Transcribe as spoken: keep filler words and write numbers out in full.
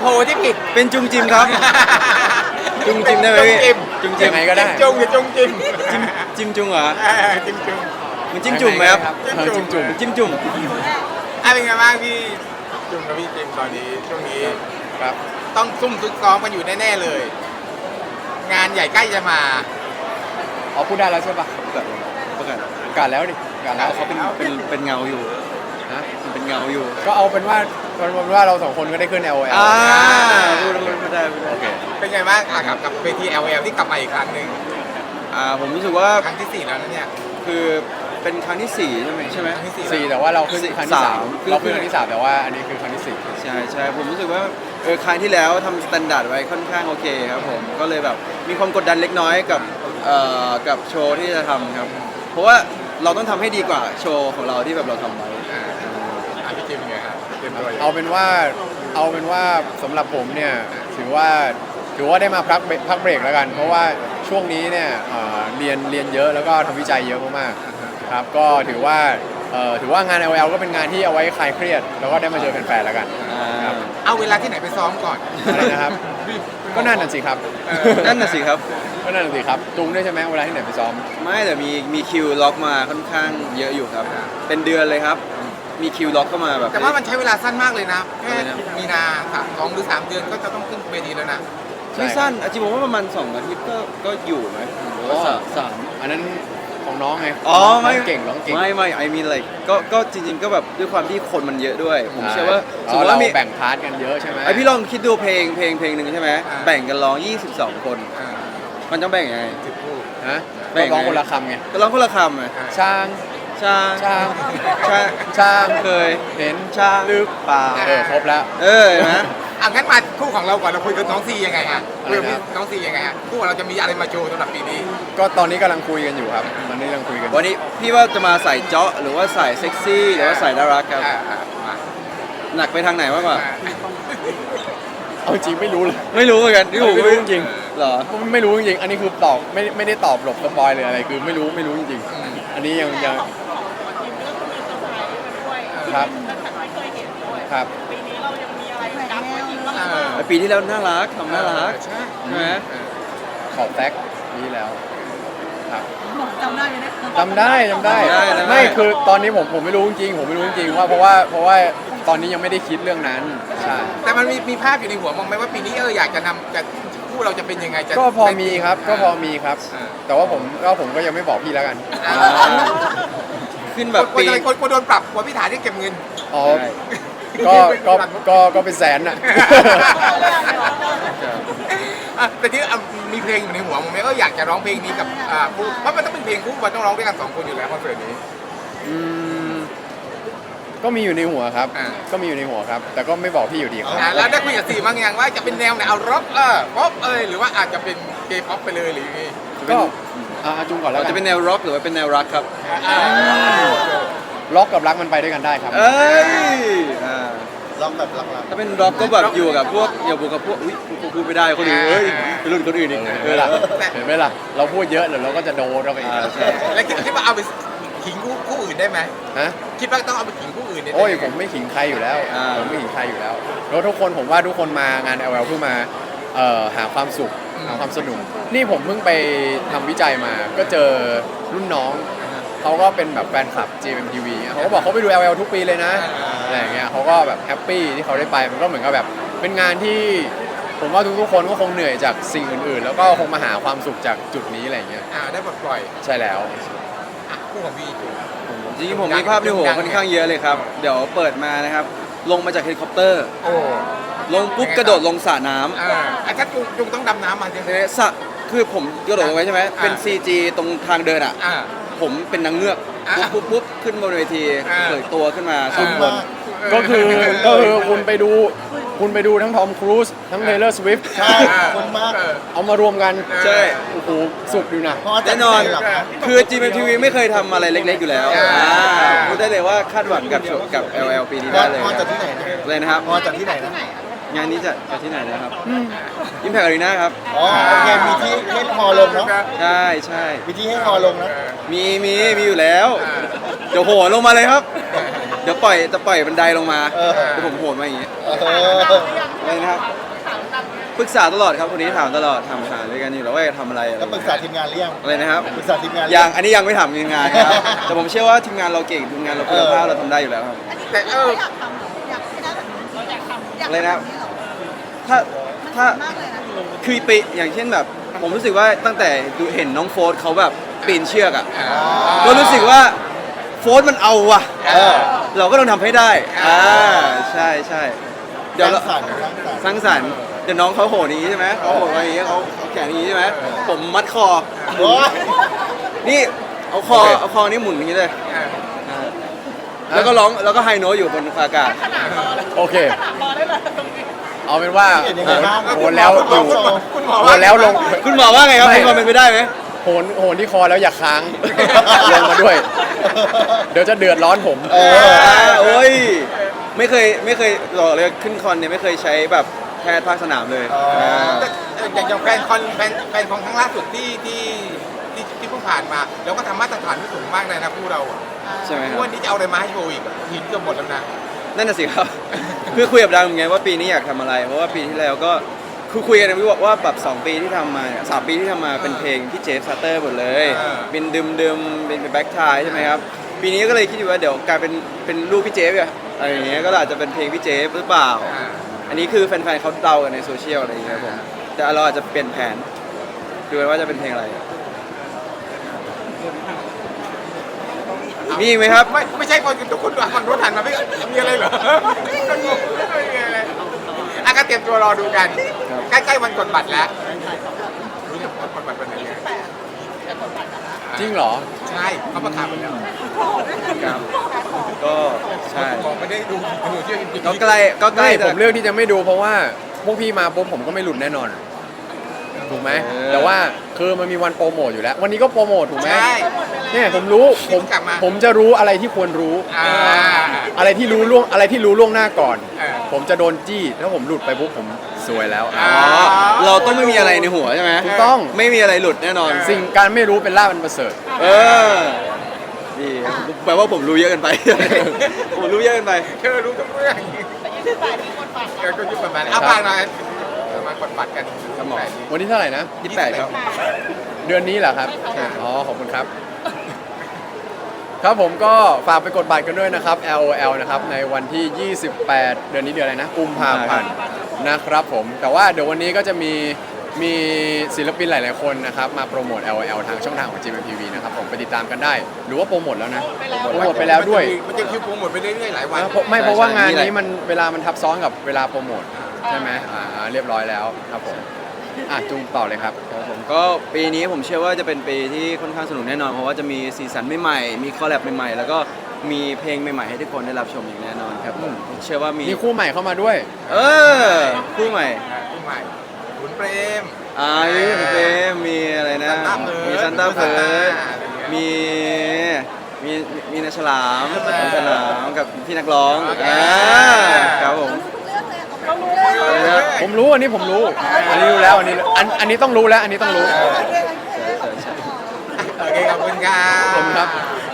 ที่ผิดเป็นจุงจิมครับจุงจิมได้ไหมพี่จุงจิมยังไงก็ได้จุงหรือจุงจิมจิมจิมจุงเหรอเออจิมจุงมันจิ้มจุ่มไหมครับเออจิ้มจุ่มจิ้มจุ่มอะไรเป็นไงบ้างพี่จุงกับพี่จิมตอนนี้ช่วงนี้ครับต้องซุ่มซุกซ้อมกันอยู่แน่ๆเลย งานใหญ่ใกล้จะมาอ๋อพูดได้แล้วใช่ปะประกาศประกาศประกาศแล้วดิประกาศแล้วเขาเป็นเป็นเป็นเงาอยู่นะมันเป็นเงาอยู่ก็เอาเป็นว่าเป็นว่าเราสองคนก็ได้ขึ้น แอล โอ แอลอ่าพูดแล้วไม่ได้ไม่ได้โอเคเป็นไงบ้างอ่ะกับกับเวที แอล แอล ที่กลับมาอีกครั้งหนึ่งอ่าผมรู้สึกว่าครั้งที่สี่แล้วนะเนี่ยคือเป็นครั้งที่สี่ใช่ไหมใช่ไหมครั้งที่สี่สี่แต่ว่าเราขึ้นครั้งที่สามคือเราขึ้นครั้งที่สามแต่ว่าอันนี้คือครั้งที่สี่ใช่ใช่ผมรู้สึกว่าเออครั้งที่แล้วทำสแตนดาร์ดไว้ค่อนข้างโอเคครับผมก็เลยแบบมีความกดดันเล็กน้อยกับเอ่อกับโชว์ที่จะทำครับเพราะว่าเราต้องทำให้ดีกว่าโชว์ของเราที่แบบเราทำไว้อ่าอ่ะพี่จิมเป็นไงครับเตรียมตัวยังไงเอาเป็นว่าเอาเป็นว่าสำหรับผมเนี่ยถือว่าถือว่าได้มาพักเบรกพักเบรกแล้วกัน เพราะว่าช่วงนี้เนี่ยเอ่อเรียนเรียนเยอะแล้วก็ทำวิจัยเยอะมากๆครับก็ถือว่าเอ่อถือว่างาน แอล แอล ก็เป็นงานที่เอาไว้คลายเครียดแล้วก็ได้มาเจอแฟนๆแล้วกันอ่าครับเอาเวลาที่ไหนไปซ้อมก่อนอะไรนะครับ ก็นั่นน่ะสิครับเออนั่นน่ะสิครับก็นั่นน่ะสิครับจุงด้วยใช่ไหมเวลาที่ไหนไปซ้อมไม่แต่มีมีคิวล็อกมาค่อนข้างเยอะอยู่ครับ เป็นเดือนเลยครับ มีคิวล็อกเข้ามาแบบแต่ว่ามันใช้เวลาสั้นมากเลยนะแค่อะไรนะมีนาสามสองหรือสามเดือนก็จะต้องขึ้นเวทีแล้วนะไม่สั้นอาจริงผมว่าประมาณสองอาทิตย์ก็ก็อยู่ไหมหรือว่าสามสามอันนั้นของน้องไงอ๋อไม่น้งเก่งน้องเก่งไม่ไม่ไอมีอะไรก็ก็จริงๆก็แบบด้วยความที่คนมันเยอะด้วย ผมเชื่อว่าสสมมมมติติว่าเรามีแบ่งพาร์ทกันเยอะใช่ไหมไอพี่ลองคิดดูเพลงเพลงเพลงหนึ่งใช่ไหมแบ่งกันร้องยี่สิบสองคนอ่ามันต้องแบ่งยังไงสิบคู่ฮะแบ่ก็งไงร้องคนละคำไงก็ร้องคนละคำไงช่างช่างช่างช่างช่างเคยเห็นช่างหรือเปล่าเออครบแล้วเออเห็นไหมอ่ะงั้นมาคู่ของเราก่อนเราคุยกับน้องซียังไงฮะอะไรนะเรื่องน้องซียังไงฮะคู่ของเราจะมีอะไรมาโชว์สำหรับปีนี้ก็ตอนนี้กำลังคุยกันอยู่ครับตอนนี้กำลังคุยกันวันนี้พี่ว่าจะมาใส่เจาะหรือว่าใส่เซ็กซี่หรือว่าใส่น่ารักครับอ่าอ่ามาหนักไปทางไหนมากกว่าอ่าเอาจริงไม่รู้เลยไม่รู้เหมือนกันที่ผมไม่รู้จริงเหรอไม่รู้จริงๆอันนี้คือตอบไม่ไม่ได้ตอบหลบสปอยเลยอะไรคือไม่รู้ไม่รู้จริงๆอันนี้ยังยังครับครับเออปีที่แล้วน่ารักทำน่ารักใช่ใช่ไหมขอบแฟกนี้แล้วครับจำได้ไหมเนี่ยจำได้จำได้ได้ได้ไม่คือตอนนี้ผมผมไม่รู้จริงๆผมไม่รู้จริงๆว่าเพราะว่าเพราะว่าตอนนี้ยังไม่ได้คิดเรื่องนั้นใช่แต่มันมีมีภาพอยู่ในหัวมองไหมว่าปีนี้เอออยากจะนำจะคู่เราจะเป็นยังไงจะก็พอมีครับก็พอมีครับอ่าแต่ว่าผมก็ผมก็ยังไม่บอกพี่แล้วกันอ่าขึ้นแบแบบ บปีปีอะไรคนคนโดนปรับกลัวพี่ฐานที่เก็บเงินอ๋อใช่ก็ก็ก็ก็เป็นแสนน่ะอ่ะแต่ที่อ่ะมีเพลงอยู่ในหัวผมไหมเอออยากจะร้องเพลงนี้กับอ่าคู่เพราะมันต้องเป็นเพลงคู่มันต้องร้องด้วยกันสองคนอยู่แล้วคอนเสิร์ตนี้อืมก็มีอยู่ในหัวครับอ่าก็มีอยู่ในหัวครับ แต่ก็ไม่บอกพี่อยู่ดีครับอ่ะแล้วได้คุยกับซีบ้างยังว่าจะเป็นแนวไหนเอาร็อกเออป๊อปเอยหรือว่าอาจจะเป็นเกย์ป๊อปไปเลยหรือยังไงก็อ่าจุงก่อนแล้วเรากัจะเป็นแนวร็อกหรือว่าเป็นแนวรักครับอ่าล็อกกับรักมันไปด้วยกันได้ครับเอ้ยอ่าลองแบบหลักถ้าเป็นร็อกก็แบบอยู่กับพวกอย่าบวกกับพวกอุ้ยกูพูดไม่ได้คนอื่นเฮ้ยเป็นรุ่นคนอื่นอีกเห็นเอไหมอล่ะเห็นไหมล่ะเราพูดเยอะเดี๋ยวเราก็จะโดนเราไปอีกอ่าใช่แล้วคิดคิดว่าเอาไปขิงคู่คู่อื่นได้ไหมฮะคิดว่าต้องเอาไปขิงคู่อื่นได้ไหโอ้ยผมไม่ขิงใครอยู่แล้วอ่าผมไม่ขิงใครอยู่แล้วแล้วทุกคนผมว่าทุกคนมางาน แอล แอล เพื่อมาเอ่อหาความสุขหาความสนุกนี่ผมเพิ่งไปทำวิจัยมา ก็เจอรุ่นน้องเขาก็เป็นแบบแฟนคลับ จี เอ็ม ที วี เขาก็บอกเขาไปดู แอล แอล ทุกปีเลยนะอะไรอย่างเงี้ยเขาก็แบบแฮปปี้ที่เขาได้ไปมันก็เหมือนกับแบบเป็นงานที่ผมว่าทุกๆคนก็คงเหนื่อยจากสิ่งอื่นๆ แล้วก็คงมาหาความสุขจากจุดนี้อะไรอย่างเงี้ยอ่าได้ปลดปล่อยใช่แล้วอ่ะคู่ของพี่จูจริงๆผมมีภาพในหัวค่อนข้างเยอะเลยครับ เดี๋ยวเปิดมานะครับ ลงมาจากเฮลิคอปเตอร์โอ้ลงปุ๊บกระโดดลงสระน้ำอ่าอ่ะถ้าจุงจุงต้องดำน้ำมาใช่ไหมเอ๊ะสระคือผมกระโดดลงไว้ใช่ไหมอ่าเป็น ซี จี ตรงทางเดินอ่ะอ่าผมเป็นนางเงือกอ่าปุ๊บปุ๊บปุ๊บขึ้นบนเวทีอ่าเผยตัวขึ้นมาอ่าสุดๆบมาน กก็คือก็คือคุณไปดูคุณไปดูทั้งทอมครูซทั้งเทเลอร์สวิฟต์ใช่คนมากเออเอามารวมกันใช่โอ้โหสุดอยู่นะเพราะว่าจัแน่ดนอนที่ไหหรครับคือ จี เอ็ม ที วี ไม่เคยทำอะไรเล็กๆอยู่แล้วอ่าอ่าพูดได้เลยว่าคาดหวังกับโชว์กับ แอล แอล ปีนี้พอได้เลยพอจัดที่ไหนนะเลยนะครับพอจัดที่ไหนนะงานนี้จะจะที่ไหนนะครับอิมแพคอารีนาครับอ๋อโอเคมีที่ให้ฮอลงเนาะใช่ใช่มีที่ให้ฮอลงนะมีมีมีอยู่แล้ว เดี๋ยวโหนลงมาเลยครับเดี๋ยวปล่อยจะปล่อยบันไดลงมาเออเดี๋ยวผมโหนมาอย่างงี้เอออะไรนะครับปรึกษาตลอดครับคนนี้ถามตลอดถามหาด้วยกันอยู่แล้วว่าจะทำอะไรอะไรแล้วปรึกษาทีมงานหรือยังอะไรนะครับปรึกษาทีมงานหรืยัองอันนี้ยังไม่ถามทีมงานครับ แต่ผมเชื่อว่าทีมงานเราเก่งทีมงานเราคุณภาพเราทำได้อยู่แล้วครับแต่เอออยากทำเหรออยากให้ได้แบบนี้เราอยากทำอยากอะไรนะทำแบบนี้เหรอถ้าถ้ามากเลยนะคือไปอย่างเช่นแบบ ผมรู้สึกว่าตั้งแต่ดูเห็นน้องโฟร์เขาแบบปีนเชือกอ่ะก็รู้สึกว่าโฟร์มันเอาว่ะเออเราก็ต้องทำให้ได้อ่าใช่ใช่เดี๋ยวเราสร้างสรรค์สร้างสรรค์สร้างสรรค์เดี๋ยวน้องเขาโหนอย่างนี้ใช่ไหมเขาโหนมาอย่างนี้เขาเขาแขนอย่างนี้ใช่ไหมผมมัดคอโอ้ยนี่เอาคอเอาคอนี่หมุนอย่างนี้เลยแล้วก็ร้องแล้วก็ไฮโน้ตอยู่บนอากาศโอเคขนาดรอได้เลยตรงนี้เอาเป็นว่าเห็นยังไงบ้างโหนแล้วคุณหมดูอคุณหมอโหว่านแล้วลงคุณหมอว่าไงครับไม่คุณหมอเป็นไปได้ไหมโหนโหนที่คอแล้วอย่าค้าง ลงมาด้วย เดี๋ยวจะเดือดร้อนผมเอออ่าโอ้ยไม่เคยไม่เคยบอกเลยขึ้นคอนเนี่ยไม่เคยใช้แบบแพทย์ภาคสนามเลยอ๋ออ่าแต่อย่างอย่างแฟนคอนแฟนแฟนของครั้งล่าสุดที่ที่ที่ที่เพิ่งผ่านมาเราก็ทำมาตรฐานที่สูงมากเลยนะคู่เราอะใช่ไหมคทุรักบวันนี้จะเอาอะไรมาให้โชว์อีกอะหินเกือบหมดแล้วนะนั่นน่ะสิครับ คือคุยกับดังเหมือนกันว่าปีนี้อยากทำอะไร เพราะว่าปีที่แล้วก็คือคุยกันนะว่าว่าแบบสองปีที่ทำมาเนี่ยสามปีที่ทำมาเป็นเพลงพี่เจฟซัตเตอร์หมดเลยอ่าเป็นดึมดึมเป็นแบ็คทายใช่ไหมครับปีนี้ก็เลยคิดอยู่ว่าเดี๋ยวกลายเป็นเป็นรูปพี่เจฟอะอะไรอย่างเงี้ยก็อาจจะเป็นเพลงพี่เจฟหรือเปล่าอ่าอันนี้คือแฟนๆเขาเดากันในโซเชียลอะไรอย่างเงี้ยครับผมแต่เราอาจจะเปลี่ยนแผนดูกันว่าจะเป็นเพลงอะไรมีอีกไหมครับไม่ไม่ใช่คนทุกคนฝั่งรถหันมาไม่มีอะไรเหรอก็งงไม่มีอะไรอ่ะก็เตรียมตัวรอดูกันครับใกล้ๆวันกดบัตรแล้วรู้จักวันกดบัตรวันไหนเนี่ยจริงเหรอใช่เขาประกาศไปแล้วครับก็ใช่บอกไม่ได้ดูดูเชื่อจริงๆก็ใกล้ก็ใกล้ไม่แต่ผมเลือกที่จะไม่ดูเพราะว่าพวกพี่มาปุ๊บผมก็ไม่หลุดแน่นอน ถูกไหมเออแต่ว่าคือมันมีวันโปรโมทอยู่แล้ว วันนี้ก็โปรโมทถูกไหมใช่เนี่ยผมรู้ผมกลับมาผมจะรู้อะไรที่ควรรู้อ่าอะไรที่รู้ล่วงอะไรที่รู้ล่วงหน้าก่อนเออผมจะโดนจี้ถ้าผมหลุดไปปุ๊บผมซวยแล้วอ่าอ๋อเราต้องไม่มีอะไรในหัวใช่ไหมถูกต้องไม่มีอะไรหลุดแน่นอนสิ่งการไม่รู้เป็นลาภอันประเสริฐเออดีแปลว่าผมรู้เยอะเกันไป ผมรู้เยอะเกันไปเธอรู้ทุกเรื่องแต่ยี่สิบแปดที่คนฟังเออก็ยุบประมาณเอาบ้างหน่อยเอามากดบัตรกันครับหมอวันที่เท่าไหร่นะยี่สิบแปดครับเดือนนี้เหรอครับใช่อ๋อ ขอบคุณครับ ครับผมก็ฝากไปกดบัตรกันด้วยนะครับ แอล โอ แอล นะครับ ในวันที่ ยี่สิบแปด เดือนนี้เดือนอะไรนะ กุมภาพันธ์นะครับผม แต่ว่าเดี๋ยววันนี้ก็จะมีมีศิลปินหลาย ๆ คนนะครับ มาโปรโมท แอล โอ แอล ทางช่องทางของ จี เอ็ม ที วี นะครับผมไปติดตามกันได้ หรือว่าโปรโมทแล้วนะ โปรโมทไปแล้วด้วยมันจะคิวโปรโมทไปเรื่อยๆหลายวันนะเพราะไม่เพราะว่างานใช่ใช่นี้มันเวลามันทับซ้อนกับเวลาโปรโมทใช่ไหมอ่าเรียบร้อยแล้วครับผม อ่ะจูงต่อเลยครับครับผมก็ปีนี้ผมเชื่อว่าจะเป็นปีที่ค่อนข้างสนุกแน่นอน เพราะว่าจะมีสีสันใหม่ๆมีคอลแลบใหม่ๆ แล้วก็มีเพลงใหม่ๆให้ทุกคนได้รับชมอย่างแน่นอนครับผมเชื่อว่ามีมีคู่ใหม่เข้ามาด้วยเออคู่ใหม่คู่ใหม่ขุนเปรมอ่ามีเพลงมีอะไรนะซันต้าเพิร์ทมีซันต้าเพิร์ดอะไรเงี้ยมีมีมีนาฉลามน้องฉลามกับพี่นักร้องโอเคอ่าครับผมเรารู้ทุกเรื่องเลยเรารู้เรื่องอะไรนะผมรู้อันนี้ผมรู้ อันนี้รู้แล้วอันนี้อันอันนี้ต้องรู้แล้ว อันนี้ต้องรู้โอเคโอเคโอเคขอบคุณครับขอบคุณครับ